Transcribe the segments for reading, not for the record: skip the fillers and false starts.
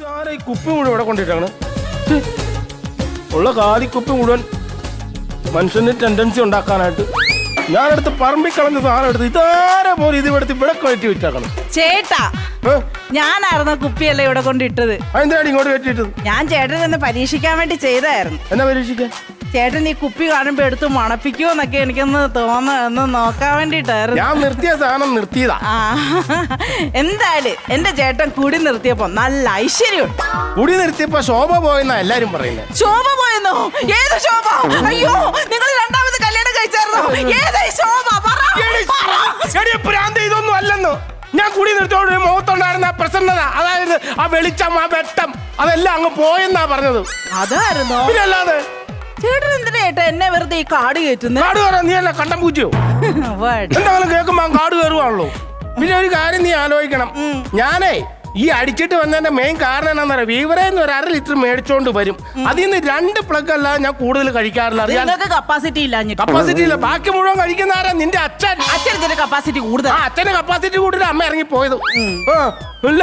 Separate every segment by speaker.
Speaker 1: ഇതാരാ ഈ കുപ്പി മുഴുവൻ ഇവിടെ കൊണ്ടിട്ടാണ് ഉള്ള കാലിക്കുപ്പി മുഴുവൻ മനുഷ്യന് ടെൻഡൻസി ഉണ്ടാക്കാനായിട്ട് ഞാനെടുത്ത് പറമ്പിൽ കളഞ്ഞ സാധനം എടുത്ത് ഇതാരെ പോലെ ഇത് എടുത്ത് ഇവിടെ കയറ്റി വിറ്റാക്കണം.
Speaker 2: ചേട്ടാ ഞാനായിരുന്നു കുപ്പിയല്ലേ ഇവിടെ കൊണ്ടിട്ടത്.
Speaker 1: അതെന്താണ് ഇങ്ങോട്ട് കയറ്റിട്ടത്?
Speaker 2: ഞാൻ ചേട്ടനൊന്ന് പരീക്ഷിക്കാൻ വേണ്ടി ചെയ്തായിരുന്നു.
Speaker 1: എന്നാ പരീക്ഷിക്കാൻ?
Speaker 2: ചേട്ടൻ ഈ കുപ്പി കാണുമ്പോ എടുത്ത് മണപ്പിക്കുമോ എന്നൊക്കെ എനിക്കൊന്ന് തോന്നുന്നു നോക്കാൻ വേണ്ടിട്ടായിരുന്നു.
Speaker 1: ഞാൻ നിർത്തിയ സാധനം നിർത്തിയതാ.
Speaker 2: എന്തായാലും എന്റെ ചേട്ടൻ കുടി നിർത്തിയപ്പോ നല്ല ഐശ്വര്യം.
Speaker 1: കുടി നിർത്തിയപ്പോ ശോഭ പോയെന്നാ എല്ലാരും പറയുന്നത്.
Speaker 2: ശോഭ പോയെന്നോ? ഏത് ശോഭ? അയ്യോ, നിങ്ങൾ രണ്ടാമത് കല്യാണം കഴിച്ചായിരുന്നോ? ഏതായി ശോഭ?
Speaker 1: ഇതൊന്നും അല്ലെന്നോ. ഞാൻ കുടി നിർത്തോട് മുഖത്തുണ്ടായിരുന്ന പ്രസന്നത, അതായത് ആ വെളിച്ചം, ആ വെട്ടം, അതെല്ലാം അങ്ങ് പോയെന്നാ പറഞ്ഞത്.
Speaker 2: അതായിരുന്നോ?
Speaker 1: പിന്നെ അല്ലാതെ
Speaker 2: ചേട്ടൻ എന്തിനാ ചേട്ടാ എന്നെ വെറുതെ ഈ കാട് കയറ്റുന്നു?
Speaker 1: കാട് കയറാൻ നീ അല്ല കണ്ടം പൂച്ചയോ? എന്തെങ്കിലും കേൾക്കുമ്പോ കാട് കയറുവാണല്ലോ. പിന്നെ ഒരു കാര്യം നീ ആലോചിക്കണം. ഞാനേ ഈ അടിച്ചിട്ട് വന്നതിന്റെ മെയിൻ കാരണം എന്താണെന്നറിയാം, വീവറേന്ന് ഒരു 1/2 ലിറ്റർ മേടിച്ചോണ്ട് വരും. അതിൽ നിന്ന് 2 പ്ലഗ് അല്ലാതെ ഞാൻ കൂടുതൽ കഴിക്കാറില്ല.
Speaker 2: കപ്പാസിറ്റി ഇല്ല.
Speaker 1: കപ്പാസിറ്റി ഇല്ല. ബാക്കി മുഴുവൻ കഴിക്കുന്ന ആരാ? നിന്റെ അച്ഛൻ.
Speaker 2: അച്ഛന് കപ്പാസിറ്റി കൂടുതൽ.
Speaker 1: അച്ഛന് കപ്പാസിറ്റി കൂടുതൽ. അമ്മ ഇറങ്ങി പോയത് ഇല്ല.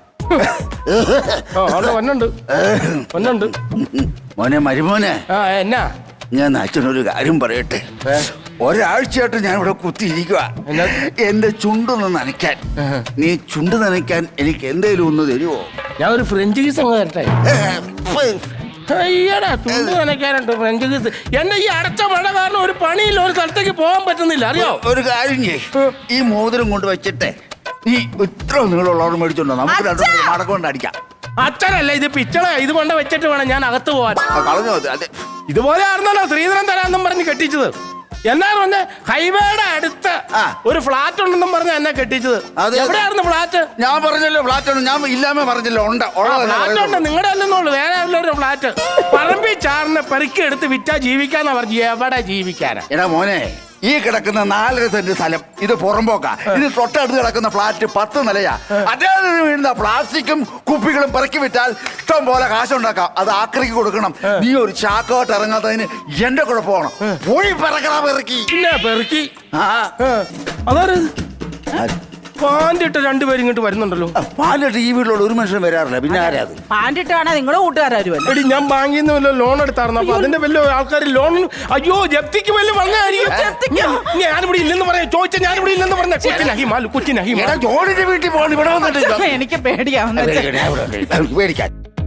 Speaker 1: വന്നുണ്ട്
Speaker 3: മോനെ മരുമോനെ.
Speaker 1: എന്നാ
Speaker 3: ഞാൻ അച്ഛനൊരു കാര്യം പറയട്ടെ. ഒരാഴ്ചയായിട്ട് ഞാൻ ഇവിടെ കുത്തിയിരിക്കുക. എന്റെ ചുണ്ടൊന്ന് നനയ്ക്കാൻ. നീ ചുണ്ട് നനയ്ക്കാൻ എനിക്ക് എന്തേലും ഒന്ന് തരുമോ?
Speaker 1: ഞാൻ ഒരു ഫ്രഞ്ച് കീസ് അങ്ങ് തരട്ടെ. അയ്യടാ, ചുണ്ട് നനയ്ക്കാനുണ്ട് ഫ്രഞ്ച് കീസ്. എന്റെ ഈ അടച്ച മഴ കാരണം ഒരു പണിയില്ല, ഒരു സ്ഥലത്തേക്ക് പോകാൻ പറ്റുന്നില്ല. അറിയോ? ഒരു
Speaker 3: കാര്യം ചെയ്യ്, ഈ മോതിരം കൊണ്ട് വെച്ചിട്ടെ നീ ഇത്ര നീളമുള്ളവർ മേടിച്ചോണ്ടോ, നമുക്ക് രണ്ടു മടക്കൊണ്ട് അടിക്കാം.
Speaker 1: അച്ഛനല്ല ഇത് പിച്ചള, ഇത് കൊണ്ട് വെച്ചിട്ട് വേണം ഞാൻ അകത്ത് പോവാൻ.
Speaker 3: കളഞ്ഞോ? അതെ,
Speaker 1: ഇതുപോലെ ആയിരുന്നല്ലോ ശ്രീധരൻ തരാന്നും പറഞ്ഞ് കെട്ടിച്ചത്. എന്നാണ് പറഞ്ഞ ഹൈവേയുടെ അടുത്ത് ഒരു ഫ്ലാറ്റ് ഉണ്ടെന്നും പറഞ്ഞ എന്നെ കെട്ടിച്ചത്. എവിടെയായിരുന്നു ഫ്ലാറ്റ്?
Speaker 3: ഞാൻ പറഞ്ഞല്ലോ ഫ്ലാറ്റ്. ഞാൻ ഇല്ലാമേ പറഞ്ഞല്ലോ.
Speaker 1: ഫ്ലാറ്റ് ഉണ്ട്, നിങ്ങളുടെ അല്ലെന്നുള്ളു, വേറെ ഒരു ഫ്ലാറ്റ്. പറമ്പി ചാറിന് പെറുക്കി എടുത്ത് വിറ്റാ ജീവിക്കാന്നാ പറഞ്ഞു. എവിടെ ജീവിക്കാനാ?
Speaker 3: എടാ മോനെ, ഈ കിടക്കുന്ന 4 സെന്റ് സ്ഥലം ഇത് പുറമ്പോക്കാ. ഇത് തൊട്ടടുത്ത് കിടക്കുന്ന ഫ്ലാറ്റ് 10 നിലയാ. അദ്ദേഹത്തിന് വീഴുന്ന പ്ലാസ്റ്റിക്കും കുപ്പികളും പെറുക്കി വിറ്റാൽ ഇഷ്ടം പോലെ കാശുണ്ടാക്കാം. അത് ആക്രിക്ക് കൊടുക്കണം. നീ ഒരു ചാക്കോട്ട് ഇറങ്ങാത്തതിന് എന്റെ കുഴപ്പമാണ്. പോയി പെറുക്കണ പെറുക്കി.
Speaker 1: പിന്നെ പെറുക്കി അതാര് പാൻറിട്ട് 2 പേര് ഇങ്ങോട്ട് വരുന്നുണ്ടല്ലോ.
Speaker 3: പാലിട്ട് ഈ വീട്ടിലോട് ഒരു മനുഷ്യൻ വരാറില്ല. പിന്നെ ആരാ അത്?
Speaker 2: പാൻറിട്ടാണ് നിങ്ങളെ കൂട്ടുകാരും.
Speaker 1: എടി ഞാൻ ബാങ്കിൽ നിന്ന് വല്ല ലോൺ എടുത്തായിരുന്നു. അപ്പൊ അതിന്റെ വല്ല ആൾക്കാർ ലോൺ അയ്യോ ജപ്തിക്ക് വല്ല വന്നായിരിക്കും. ഞാനിവിടെ ഇല്ലെന്ന് പറയാം. ചോദിച്ചാൽ ഞാനിവിടെ ഇല്ലെന്ന് പറഞ്ഞ ജോണിന്റെ വീട്ടിൽ പോകണം. ഇവിടെ വന്നിട്ട്
Speaker 2: എനിക്ക് പേടിയാവുന്ന
Speaker 3: പേടിക്കാൻ.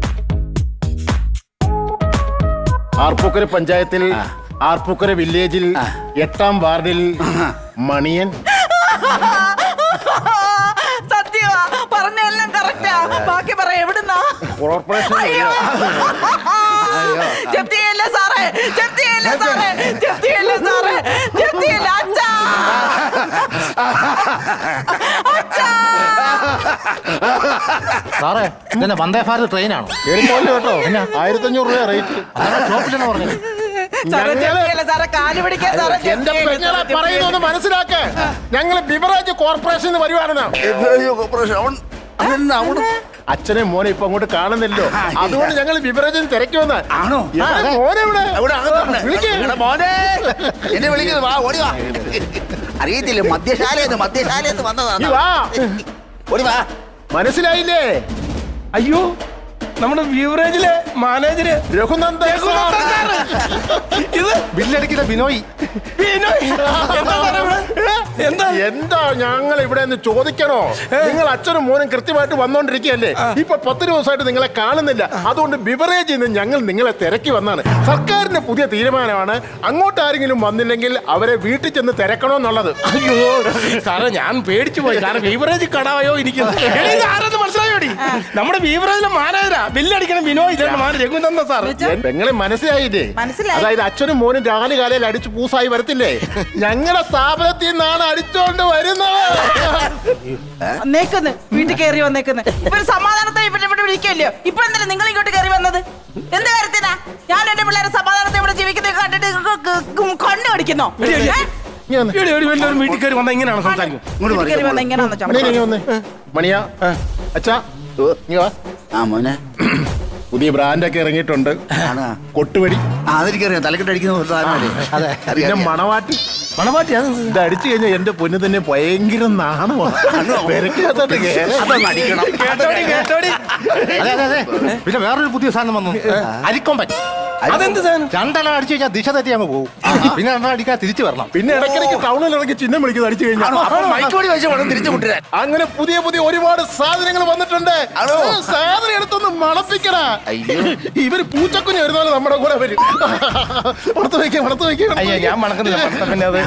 Speaker 4: ആർപ്പൂക്കര പഞ്ചായത്തിൽ ആർപ്പൂക്കര വില്ലേജിൽ 8ാം വാർഡിൽ മണിയൻ.
Speaker 2: സത്യമാ പറഞ്ഞെല്ലാം കറക്റ്റാ. ബാക്കി പറ എവിടുന്നാ?
Speaker 4: കോർപ്പറേഷൻ.
Speaker 2: ജപ്തിയല്ല സാറേ, ജപ്തിയല്ല സാറേ, ജപ്തിയല്ല സാറേ, ജപ്തിയല്ല. അച്ഛാ, അച്ഛാ.
Speaker 5: സാറേ ഇതന്നെ വന്ദേ ഭാരത് ട്രെയിനാണോ?
Speaker 4: കേട്ടോ 1500 രൂപ റേറ്റ്.
Speaker 5: ഷോപ്പിലാണ് പറഞ്ഞത്.
Speaker 4: എന്റെ പെങ്ങളെ പറയുന്നത് മനസ്സിലാക്ക. ഞങ്ങള് ബിവറേജ് കോർപ്പറേഷൻ വരുവാണെന്നാ. അച്ഛനെ മോനെ ഇപ്പൊ അങ്ങോട്ട് കാണുന്നില്ലോ, അതുകൊണ്ട് ഞങ്ങൾ ബിവറേജിന് തിരക്കി വന്ന.
Speaker 3: ആണോ?
Speaker 4: മോനെ
Speaker 3: മോനെ എന്നെ വിളിക്കുന്നത്. വാ, ഓടി വാ. അറിയത്തില്ല, മദ്യശാലയെന്ന് വന്നതാണ്. ഓടി വാ.
Speaker 4: മനസ്സിലായില്ലേ?
Speaker 1: അയ്യോ, നമ്മുടെ ബിവറേജിലെ മാനേജര്
Speaker 4: രഘുനന്ദൻ.
Speaker 1: ഇത്
Speaker 4: ബില്ലടിക്കുന്ന ബിനോയ്. എന്താ ഞങ്ങൾ ഇവിടെ നിന്ന് ചോദിക്കണോ? നിങ്ങൾ അച്ഛനും മോനും കൃത്യമായിട്ട് വന്നോണ്ടിരിക്കുകയല്ലേ? ഇപ്പൊ 10 ദിവസമായിട്ട് നിങ്ങളെ കാണുന്നില്ല. അതുകൊണ്ട് ബിവറേജിൽ നിന്ന് ഞങ്ങൾ നിങ്ങളെ തിരക്കി വന്നാണ്. സർക്കാരിന്റെ പുതിയ തീരുമാനമാണ്, അങ്ങോട്ട് ആരെങ്കിലും വന്നില്ലെങ്കിൽ അവരെ വീട്ടിൽ ചെന്ന് തിരക്കണോന്നുള്ളത്.
Speaker 1: അയ്യോ സാറേ, ഞാൻ പേടിച്ചു പോയി. കാരണം ബിവറേജ് കടായോ ഇരിക്കുന്നത്. ആരെന്ന് മനസ്സിലായോടി? നമ്മുടെ ബിവറേജിലെ മാനേജരാ. ബില്ലടിക്കണം വിനോയ്. രഘുനന്ദൻ സാർ.
Speaker 4: പെങ്ങളെ മനസ്സിലായില്ലേ? അതായത് അച്ഛനും മോനും രാവിലെ കാലയിൽ അടിച്ച് പൂസായി വരത്തില്ലേ? ഞങ്ങളുടെ സ്ഥാപനത്തിൽ നിന്നാണ് അടിച്ചോണ്ട് വരുന്നത്.
Speaker 2: വീട്ടിൽ കയറി വന്നേക്കുന്നു. ഇപ്പൊ സമാധാനത്തെ വിളിക്കല്ലോ. ഇപ്പൊ എന്തിനാ നിങ്ങൾ ഇങ്ങോട്ട് കയറി വന്നത്? എന്ത് കാര്യത്തിനാ? ഞാൻ എന്റെ പിള്ളേരെ സമാധാനത്തെ ഇവിടെ ജീവിക്കുന്നത് കണ്ടിട്ട് കണ്ണു കടിക്കുന്നോ?
Speaker 1: വീട്ടിൽ കയറി വന്ന ഇങ്ങനെയാണ് സംസാരിക്കും.
Speaker 4: മണിയാ അച്ഛാ,
Speaker 3: മോനെ
Speaker 4: പുതിയ ബ്രാൻഡൊക്കെ ഇറങ്ങിയിട്ടുണ്ട്. കൊട്ടുവടി
Speaker 3: അതെനിക്കറിയാം. തലക്കെട്ടടിക്കുന്ന
Speaker 4: പിന്നെ മണവാട്ടി. ഇത് അടിച്ചു കഴിഞ്ഞാൽ എന്റെ പൊന്നു തന്നെ ഭയങ്കര നാണമാണ്.
Speaker 5: അതെ അതെ അതെ പിന്നെ വേറൊരു പുതിയ സാധനം വന്നു അരിക്കൊമ്പൻ.
Speaker 1: അതെന്ത് സാധനം?
Speaker 5: രണ്ടെണ്ണം അടിച്ചു കഴിഞ്ഞാൽ ദിശ തെറ്റി അങ്ങ് പോകും. പിന്നെ രണ്ടെണ്ണം അടിക്കാൻ തിരിച്ചു വരണം.
Speaker 4: പിന്നെ ഇടയ്ക്കിടയ്ക്ക് ടൗണിൽ ഇറങ്ങി ചിഹ്നം വിളിക്കുന്നത് അടിച്ചു കഴിഞ്ഞാൽ
Speaker 3: മൈക്കോടി വെച്ച് വേണം തിരിച്ചു കൊണ്ടുവരാൻ.
Speaker 4: അങ്ങനെ പുതിയ പുതിയ ഒരുപാട് സാധനങ്ങൾ വന്നിട്ടുണ്ട്.
Speaker 3: ആണോ?
Speaker 4: സാധനം എടുത്തൊന്ന് മണപ്പിക്കണ.
Speaker 3: അയ്യോ.
Speaker 4: ഇവര് പൂച്ചക്കുഞ്ഞ് വരുന്നാലും നമ്മുടെ കൂടെ വരും. പുറത്ത് വയ്ക്കാം പുറത്ത് വയ്ക്കാം.
Speaker 1: അയ്യോ ഞാൻ മണക്കുന്നില്ല മണത്ത പിന്നെ അത്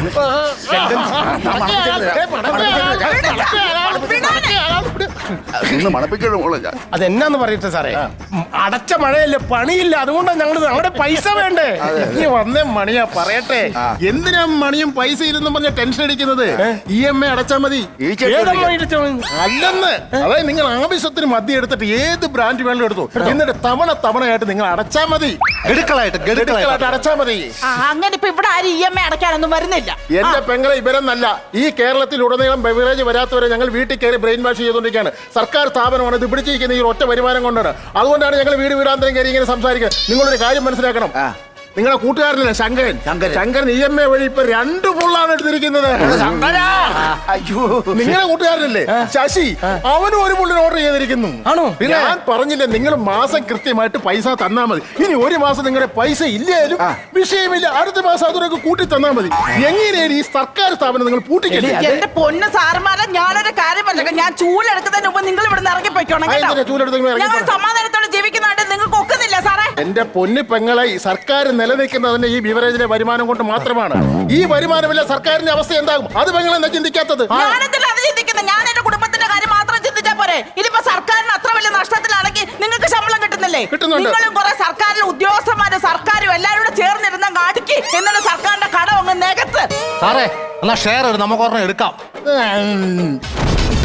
Speaker 3: നിന്ന് മണപ്പിക്കണം മോളെ ഞാൻ.
Speaker 1: അതെന്നാന്ന് പറയട്ടെ സാറേ, അടച്ച മഴയല്ലേ, പണിയില്ല, അതുകൊണ്ടാണ് ഞങ്ങളുടെ പൈസ വേണ്ടേ.
Speaker 4: നീ വന്നേ മണിയാ പറയട്ടെ, എന്തിനാ മണിയും പൈസ ഇരുന്നും പറഞ്ഞ ടെൻഷൻ അടിക്കുന്നത്? EMI അടച്ചാ മതി.
Speaker 3: ഈ ചേട്ടൻ
Speaker 1: ഏതമ്മ ഇടിച്ചവൻ?
Speaker 4: അല്ലെന്ന്, അതായത് നിങ്ങൾ ആവശ്യത്തിന് മദ്യം എടുത്തിട്ട് ഏത് ബ്രാൻഡ് വേണമെങ്കിലും എടുത്തു, എന്നിട്ട് തവണയായിട്ട് നിങ്ങൾ അടച്ചാ മതി.
Speaker 5: ഗഡുക്കളായിട്ട്
Speaker 4: ഗഡുക്കളായിട്ട് അടച്ചാ മതി.
Speaker 2: അങ്ങനെ ഇപ്പൊ ഇവിടെ ആരും EMI അടയ്ക്കാനൊന്നും വരുന്നില്ല.
Speaker 4: എന്റെ പെങ്ങളെ ഇവരെന്നല്ല, ഈ കേരളത്തിലുടനീളം ബെവറേജ് വരാത്തവരെ ഞങ്ങൾ വീട്ടിൽ കയറി ബ്രെയിൻ വാഷ് ചെയ്തുകൊണ്ടിരിക്കുകയാണ്. സർക്കാർ സ്ഥാപനമാണ് ഇത് പിടിച്ചിരിക്കുന്നത് ഈ ഒറ്റ വരുമാനം കൊണ്ടാണ്. അതുകൊണ്ടാണ് ഞങ്ങൾ വീടാന്തരം കയറി ഇങ്ങനെ സംസാരിക്കുന്നത്. നിങ്ങളൊരു കാര്യം മനസ്സിലാക്കണം, നിങ്ങളുടെ കൂട്ടുകാരനല്ലേ ശങ്കരൻ, ശങ്കരൻ EMI വഴി ഇപ്പൊ 2 ഫുള്ളാണ് എടുത്തിരിക്കുന്നത്.
Speaker 3: അയ്യോ.
Speaker 4: നിങ്ങളുടെ കൂട്ടുകാരനല്ലേ ശശി, അവനും ഒരു ഫുള്ളിന് ഓർഡർ ചെയ്തിരിക്കുന്നു.
Speaker 1: ആണോ?
Speaker 4: ഞാൻ പറഞ്ഞില്ലേ, നിങ്ങൾ മാസം കൃത്യമായിട്ട് പൈസ തന്നാ മതി. ഇനി ഒരു മാസം നിങ്ങളുടെ പൈസ ഇല്ലായാലും വിഷയമില്ല, അടുത്ത മാസം അതിനൊക്കെ കൂട്ടി തന്നാ മതി. എങ്ങനെയാണ് ഈ സർക്കാർ സ്ഥാപനം നിങ്ങൾ പൂട്ടിക്കല്ലേ?
Speaker 2: എന്റെ പൊന്ന് സാറുമാരെ, ഞാനൊരു കാര്യം പറഞ്ഞേക്കാം, ഞാൻ ചൂലെടുക്കുന്നതിന് മുമ്പ് നിങ്ങൾ ഇവിടെ നിന്ന് ഇറങ്ങിപ്പോയിക്കോണം കേട്ടോ. ഞങ്ങൾ സമാധാനത്തോടെ ജീവിക്കുന്നതായിട്ട് നിങ്ങൾക്ക് ഒക്കുന്നില്ല സാറേ.
Speaker 4: എന്റെ പൊന്നു പെങ്ങളെ, സർക്കാർ നിലനിൽക്കുന്നതിന്റെ ഈ ബിവറേജിലെ വരുമാനം കൊണ്ട് മാത്രമാണ്. ഈ വരുമാനമില്ല സർക്കാരിന്റെ അവസ്ഥ എന്താകും? അത് പെങ്ങൾ എന്താ ചിന്തിക്കാത്തത്?
Speaker 2: ഞാനെന്തിനാ അത് ചിന്തിക്കുന്നത്? ഞാൻ എന്റെ കുടുംബത്തിന്റെ കാര്യം മാത്രം ചിന്തിച്ചാ പോരെ? ഇതിപ്പോ സർക്കാരിന് അത്ര വലിയ നഷ്ടത്തിലാണെങ്കിൽ നിങ്ങൾക്ക് ശമ്പളം കിട്ടുന്നില്ലേ?
Speaker 4: കിട്ടുന്നുണ്ട്.
Speaker 2: നിങ്ങളും കുറെ സർക്കാരിലെ ഉദ്യോഗസ്ഥന്മാരും സർക്കാരും എല്ലാവരും കൂടെ ചേർന്നിരുന്ന കാടിക്ക് എന്നിട്ട് സർക്കാരിന്റെ കടം അങ്ങ് നികത്ത്.
Speaker 5: സാറേ എന്നാ ഷെയർ നമുക്ക് ഒരെണ്ണം എടുക്കാം.